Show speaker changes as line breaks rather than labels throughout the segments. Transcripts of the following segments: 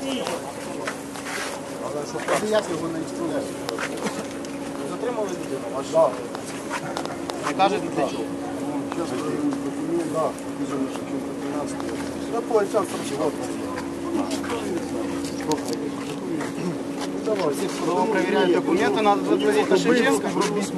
Це як його не інструмент? Затримали людину? А що? Не кажете для чого?
Сейчас документ, да, вижу, что 13 лет. Да, по отцам
Кто проверяет документы, надо заплатить на Шевченко.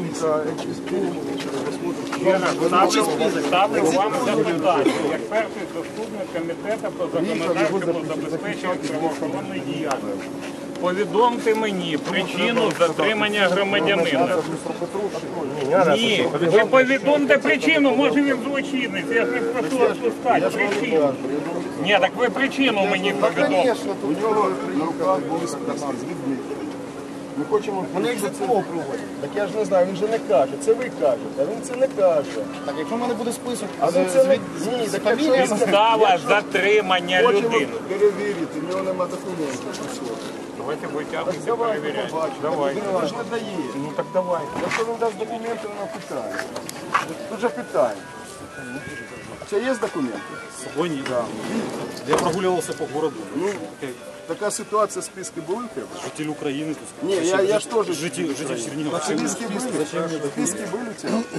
Ставлю вам запитання, як перший заступник комітету по законодавчому забезпеченню правоохоронної діяльності. Повідомте мені причину затримання громадянина. Ні, ви повідомте причину, може він злочинець, я ж не прошу відпускати причину. Ні, так ви причину мені повідомте.
Конечно, у нього на руках були списки з людьми. Ми хочемо... Вони як ЗТО проводять. Так я ж не знаю, він же не каже. Це ви кажете, а він це не каже.
Так, якщо в мене буде список,
А він це не... Ні, так якщо
Підстава затримання
хочемо
людини.
перевірити, в нього нема документів.
Давайте витягнути,
Давайте
перевіряйте.
побачимо.
Давайте.
Він ж не дає.
Ну так давайте.
Якщо він дасть документи, нема питання. Тут же питання. Це є документи?
Сьогодні я прогулювався по городу.
Ну, така ситуація, списки були в тебе?
Житель України.
Ні, я ж теж
Житель Чернігова.
Списки были? Списки были у тебя?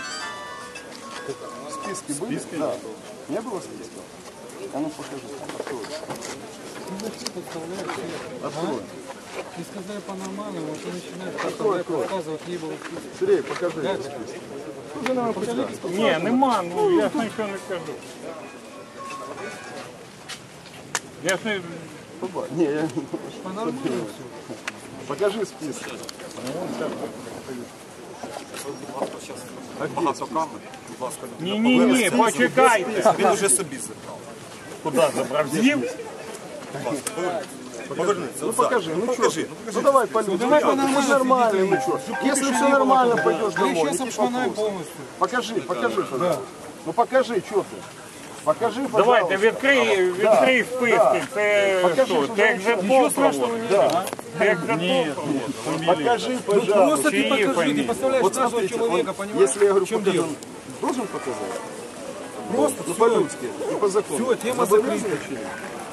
Списки были? Да. Не было списков? А ну покажи. Открой. Открой.
И сказали по-нормальному, вот он начинает
Открой, открой.
показывать, не было списка.
Сергей, покажи этот список. Уже нам покажи.
Ні, нема, ну я ж нічого не кажу. Я ж не...
Не, я...
По-нормальному все.
Покажи список.
Ні, почекайте.
Він уже собі забрав.
Куди забрав? З'їв?
Повернися.
Ну покажи, ну что? Ну давай полюбим. Ну все нормально, ну что? Если все нормально, пойдешь домой.
Сейчас
никаких
обшмонаем
вопросов.
полностью.
Покажи, пожалуйста. Ну покажи, что ты. Покажи, пожалуйста.
Давайте, відкрий списки. Це що? Це як жетон проводить. Це як жетон проводить.
Покажи, пожалуйста.
Просто ты покажи, ты представляешь
Вот
каждого
смотрите,
человека,
он,
понимаешь?
если я говорю,
в чем
покажи,
дело?
он должен показать?
Просто
Ну
всё.
по-людски и по закону.
Всё, тема
Обязательно
закрыта.
или?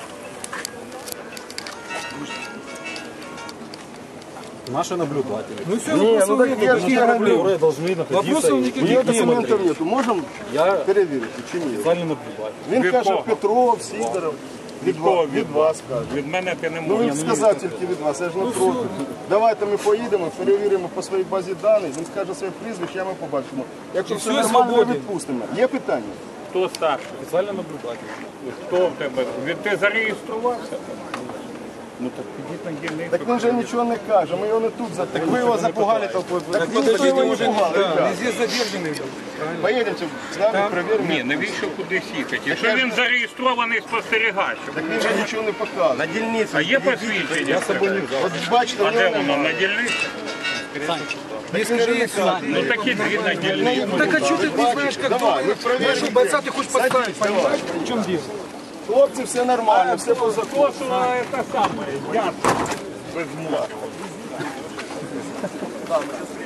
Наши наблюдатели.
Ну все,
Не,
вопросов
ну так
нет,
я же не
никаких
говорю.
проблем.
Которые должны находиться.
Вопросов
У нее
никаких нет.
документов нету. Можем
Я
перевірити чи ні?
специальный наблюдатель.
Він
Від
каже
кого?
Петров, Сидоров. Від вас каже.
Від мене ти не
Ну
можеш.
він сказав тільки від вас, я ж не проти. Давайте ми поїдемо, перевіримо по своїй базі даних, він скаже своє прізвище, а ми побачимо. Якщо все
все,
нормально, ми
свободен.
відпустимо. Є питання?
Хто старший?
Специальный наблюдатель.
Хто в тебе? Ти зареєструвався? Ну так підіть на дільницю.
Так він же нічого не каже, ми його не тут затримали.
ви його запугали толпою.
Так ви ніхто його не пугали,
Да,
ребят.
везде задержанный.
Поїдемте з нами, перевіримо.
Ні, навіщо кудись їхати? Якщо він зареєстрований спостерігачем.
Так він же нічого не показує.
Дільницю.
А є посвідчення?
От бачите,
А
в нього
де воно?
немає.
На дільниці?
Не скорее всего.
Ну такі дві на дільниці.
Так а что ты не знаешь, как
Давай, ми
нашего
перевіримо.
бойца ты хочешь подставить, понимаешь? В чем дело?
Хлопці, все нормально, все по закону.
То, що це саме, ясно. Без мозку.